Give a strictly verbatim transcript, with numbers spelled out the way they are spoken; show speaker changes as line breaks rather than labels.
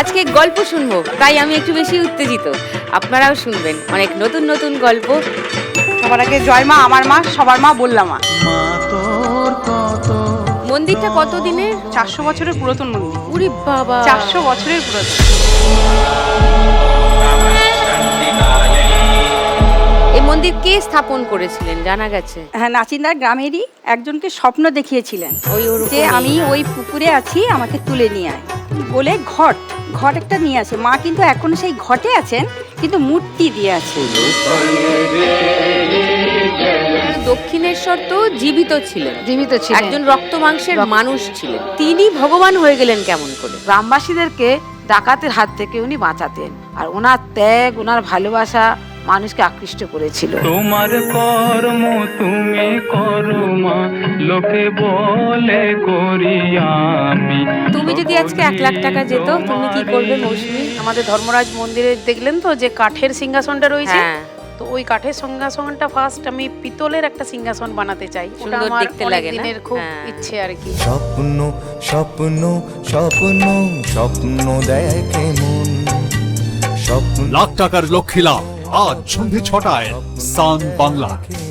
আজকে গল্প শুনবো, তাই আমি একটু বেশি উত্তেজিত। আপনারাও শুনবেন অনেক নতুন নতুন গল্প।
সবার আগে জয় মা, আমার মা, সবার মা বললাম মা।
মন্দিরটা কত দিনের?
চারশো বছরের পুরাতন মন্দির।
উরি বাবা,
চারশো বছরের পুরাতন।
এই মন্দির কে স্থাপন করেছিলেন জানা গেছে?
হ্যাঁ, নাচিন্দার গ্রামেরই একজনকে স্বপ্ন দেখিয়েছিলেন
ওই ওরকমই।
যে আমি ওই পুকুরে আছি, আমাকে তুলে নিয়ে আয় বলে ঘট ঘট একটা নিয়ে আসে। মা কিন্তু এখন সেই ঘটে আছেন, কিন্তু মূর্তি দিয়ে আছে।
দক্ষিণেশ্বর তো জীবিত ছিলেন,
জীবিত ছিলেন,
একজন রক্ত মাংসের মানুষ ছিলেন। তিনি ভগবান হয়ে গেলেন কেমন করে?
গ্রামবাসীদেরকে ডাকাতের হাত থেকে উনি বাঁচাতেন, আর ওনার ত্যাগ, ওনার ভালোবাসা মানুষকে আকৃষ্ট করেছিল।
তোমার কর্ম তুমি করো মা, লোকে বলে করি আমি।
তুমি যদি আজকে এক লাখ টাকা যেত, তুমি কি করবে মৌসুমী?
আমাদের ধর্মরাজ মন্দিরে দেখলেন তো যে কাঠের সিংহাসনটা রয়েছে,
হ্যাঁ,
তো ওই কাঠের সিংহাসনটা ফার্স্ট আমি পিতলের একটা সিংহাসন বানাতে চাই। ওটা
সুন্দর
আমার
দেখতে
অনেক
লাগে না?
দিনের খুব
হ্যাঁ।
ইচ্ছে আর কি।
স্বপ্ন স্বপ্ন স্বপ্ন স্বপ্ন দেখে মন, স্বপ্ন
লাখ টাকার লক্ষ্মী লাভ আজ সন্ধে ছটায় সান বাংলা।